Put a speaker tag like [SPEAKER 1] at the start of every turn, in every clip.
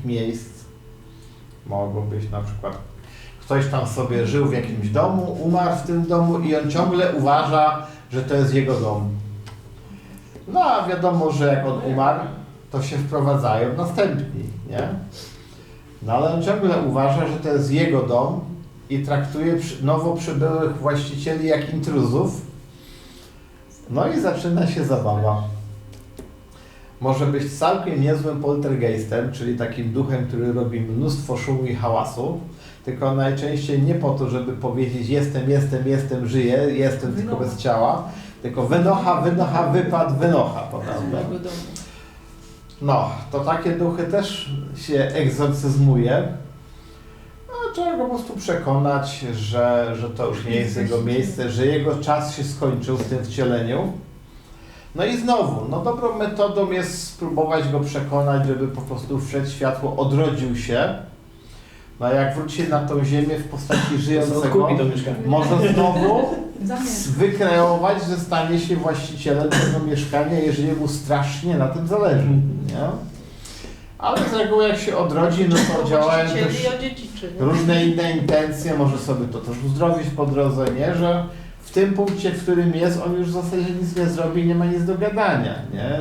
[SPEAKER 1] takich miejsc mogą być na przykład ktoś tam sobie żył w jakimś domu, umarł w tym domu i on ciągle uważa, że to jest jego dom. No a wiadomo, że jak on umarł, to się wprowadzają następni, nie? No ale on ciągle uważa, że to jest jego dom i traktuje nowo przybyłych właścicieli jak intruzów. No i zaczyna się zabawa. Może być całkiem niezłym poltergeistem, czyli takim duchem, który robi mnóstwo szumu i hałasu, tylko najczęściej nie po to, żeby powiedzieć jestem, żyję, jestem tylko bez ciała, tylko wynocha, wynocha. Prawda? No, to takie duchy też się egzorcyzmuje. No, trzeba go po prostu przekonać, że to już nie jest jego miejsce, że jego czas się skończył w tym wcieleniu. No i znowu, no dobrą metodą jest spróbować go przekonać, żeby po prostu wszedł światło, odrodził się. No a jak wróci na tą ziemię w postaci żyjącego, może znowu wykreować, że stanie się właścicielem tego mieszkania, jeżeli mu strasznie na tym zależy. Nie? Ale z reguły jak się odrodzi, no to działają też różne inne intencje, może sobie to też uzdrowić po drodze, nie? Że w tym punkcie, w którym jest, on już w zasadzie nic nie zrobi, nie ma nic do gadania, nie?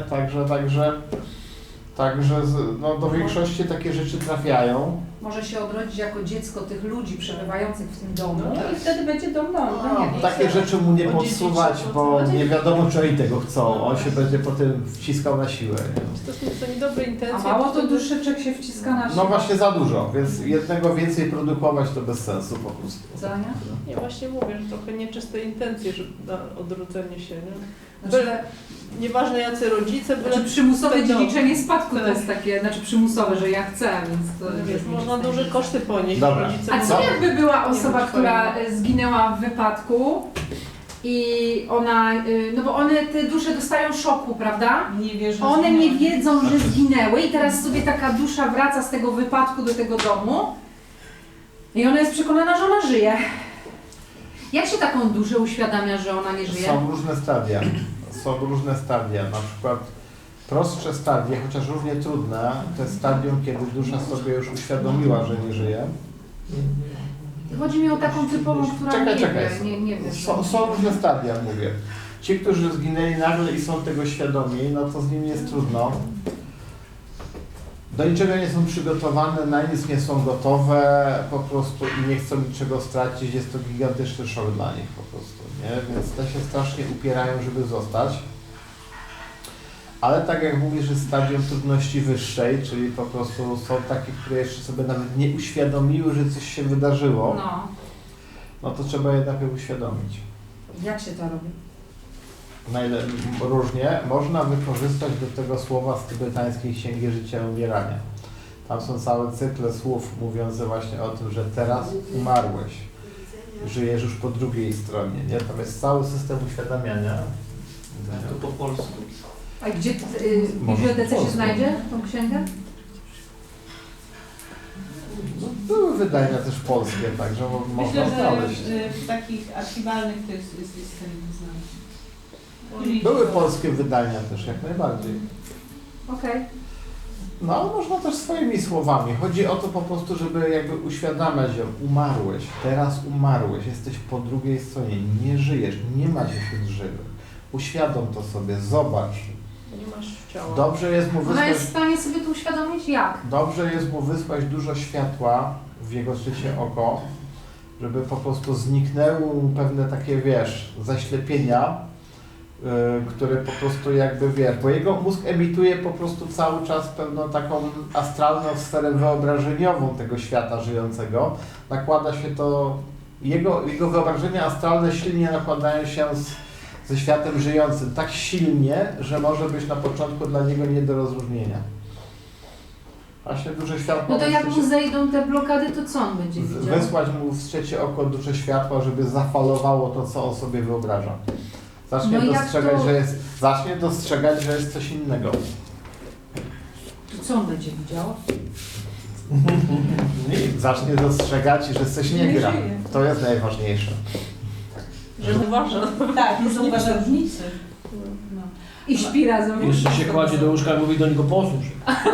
[SPEAKER 1] Także no, do większości takie rzeczy trafiają.
[SPEAKER 2] Może się odrodzić jako dziecko tych ludzi przebywających w tym domu.
[SPEAKER 3] No i wtedy będzie dom.
[SPEAKER 1] Takie rzeczy mu nie podsuwać, bo nie wiadomo, czy oni tego chcą. On się będzie potem wciskał na siłę. Nie?
[SPEAKER 4] To niedobre intencje.
[SPEAKER 2] A mało to duszyczek się wciska na siłę.
[SPEAKER 1] No właśnie za dużo, więc jednego więcej produkować to bez sensu po prostu.
[SPEAKER 2] Zania?
[SPEAKER 4] Ja właśnie mówię, że trochę nieczyste intencje, że na odrodzenie się, nie? Nieważne jacy rodzice, byle
[SPEAKER 2] przymusowe dziedziczenie spadku to jest takie, przymusowe, że ja chcę, więc to
[SPEAKER 4] wiesz, można duże koszty ponieść.
[SPEAKER 1] Dobra.
[SPEAKER 2] A co jakby była osoba, która zginęła w wypadku i ona, no bo one, te dusze dostają szoku, prawda?
[SPEAKER 3] Nie wierzą.
[SPEAKER 2] One nie wiedzą, że zginęły i teraz sobie taka dusza wraca z tego wypadku do tego domu i ona jest przekonana, że ona żyje. Jak się taką duszę uświadamia, że ona nie żyje?
[SPEAKER 1] Są różne stadia. Na przykład prostsze stadie, chociaż równie trudne, to jest stadium, kiedy dusza sobie już uświadomiła, że nie żyje.
[SPEAKER 2] Chodzi mi o taką typową, która nie wie.
[SPEAKER 1] Są różne stadia, mówię. Ci, którzy zginęli nagle i są tego świadomi, no to z nimi jest trudno. Do niczego nie są przygotowane, na nic nie są gotowe po prostu i nie chcą niczego stracić. Jest to gigantyczny szok dla nich po prostu, nie? Więc te się strasznie upierają, żeby zostać. Ale tak jak mówisz, że stadium trudności wyższej, czyli po prostu są takie, które jeszcze sobie nawet nie uświadomiły, że coś się wydarzyło, no to trzeba je najpierw uświadomić.
[SPEAKER 2] Jak się to robi?
[SPEAKER 1] Różnie. Można wykorzystać do tego słowa z tybetańskiej Księgi Życia i Umierania. Tam są całe cykle słów mówiące właśnie o tym, że teraz umarłeś. Żyjesz już po drugiej stronie. Nie? Tam jest cały system uświadamiania.
[SPEAKER 5] To po polsku.
[SPEAKER 2] A gdzie w bibliotece się znajdzie tą księgę?
[SPEAKER 1] No, były wydania też polskie, także można znaleźć.
[SPEAKER 3] Myślę, że w takich archiwalnych to jest znane.
[SPEAKER 1] Były polskie wydania też, jak najbardziej.
[SPEAKER 2] Okej.
[SPEAKER 1] No, ale można też swoimi słowami. Chodzi o to po prostu, żeby jakby uświadamiać ją. Umarłeś, teraz umarłeś, jesteś po drugiej stronie, nie żyjesz, nie ma cię wśród żywych. Uświadom to sobie, zobacz.
[SPEAKER 4] Nie masz ciała.
[SPEAKER 1] Dobrze jest mu
[SPEAKER 2] Ona
[SPEAKER 1] wysłać,
[SPEAKER 2] jest w stanie sobie to uświadomić jak?
[SPEAKER 1] dobrze jest mu wysłać dużo światła w jego trzecie oko, żeby po prostu zniknęły mu pewne takie, wiesz, zaślepienia, które po prostu jakby, wiesz, bo jego mózg emituje po prostu cały czas pewną taką astralną sferę wyobrażeniową tego świata żyjącego. Nakłada się to, jego wyobrażenia astralne silnie nakładają się ze światem żyjącym, tak silnie, że może być na początku dla niego nie do rozróżnienia. Właśnie duże światło...
[SPEAKER 2] No to jak mu zejdą te blokady, to co on będzie widział?
[SPEAKER 1] Wysłać mu w trzecie oko duże światła, żeby zafalowało to, co on sobie wyobraża. Zacznie dostrzegać, że jest coś innego.
[SPEAKER 2] To co on będzie widział?
[SPEAKER 1] Zacznie dostrzegać, że coś nie gra. To jest najważniejsze.
[SPEAKER 4] Że uważa.
[SPEAKER 3] Tak, nie zauważa różnicy. No.
[SPEAKER 2] I śpi razem.
[SPEAKER 6] Jeszcze się kładzie do łóżka i mówi do niego posłuchaj.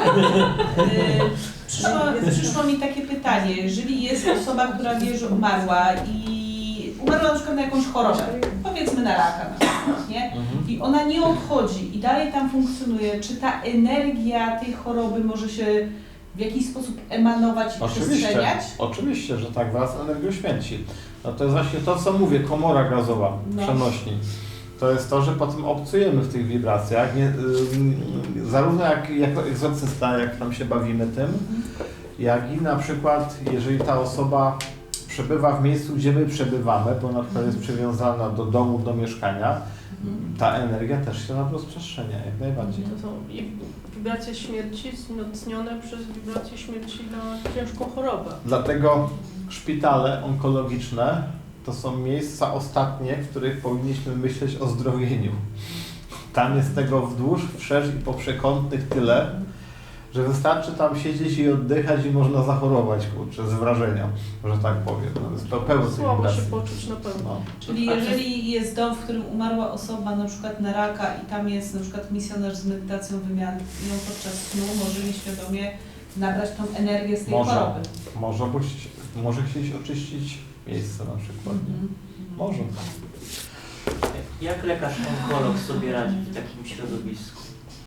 [SPEAKER 3] Przyszło mi takie pytanie, jeżeli jest osoba, która wie, że umarła i umarła na przykład na jakąś chorobę, powiedzmy na raka na przykład, nie? I ona nie odchodzi i dalej tam funkcjonuje, czy ta energia tej choroby może się w jakiś sposób emanować i przestrzeniać?
[SPEAKER 1] Oczywiście, że tak, wraz z energią śmierci. No to jest właśnie to, co mówię, komora gazowa, przenośni. To jest to, że potem obcujemy w tych wibracjach, zarówno jako egzorcysta, jak tam się bawimy tym, jak i na przykład, jeżeli ta osoba przebywa w miejscu, gdzie my przebywamy, bo na przykład jest przywiązana do domu, do mieszkania, ta energia też się nam rozprzestrzenia, jak najbardziej.
[SPEAKER 4] To są i wibracje śmierci wzmocnione przez wibracje śmierci na ciężką chorobę.
[SPEAKER 1] Dlatego szpitale onkologiczne to są miejsca ostatnie, w których powinniśmy myśleć o zdrowieniu. Tam jest tego wzdłuż, wszerz i po przekątnych tyle, że wystarczy tam siedzieć i oddychać i można zachorować, kurczę, z wrażenia, że tak powiem. No, jest to pełno tych
[SPEAKER 4] Słabo się
[SPEAKER 1] wibracji.
[SPEAKER 4] poczuć na pewno.
[SPEAKER 1] No.
[SPEAKER 3] Czyli jeżeli jest dom, w którym umarła osoba na przykład na raka i tam jest na przykład misjonarz z medytacją wymiany i on podczas snu może nieświadomie nabrać tą energię z tej choroby.
[SPEAKER 1] Może chcieć oczyścić miejsce na przykład. Może.
[SPEAKER 5] Jak lekarz onkolog sobie radzi w takim środowisku?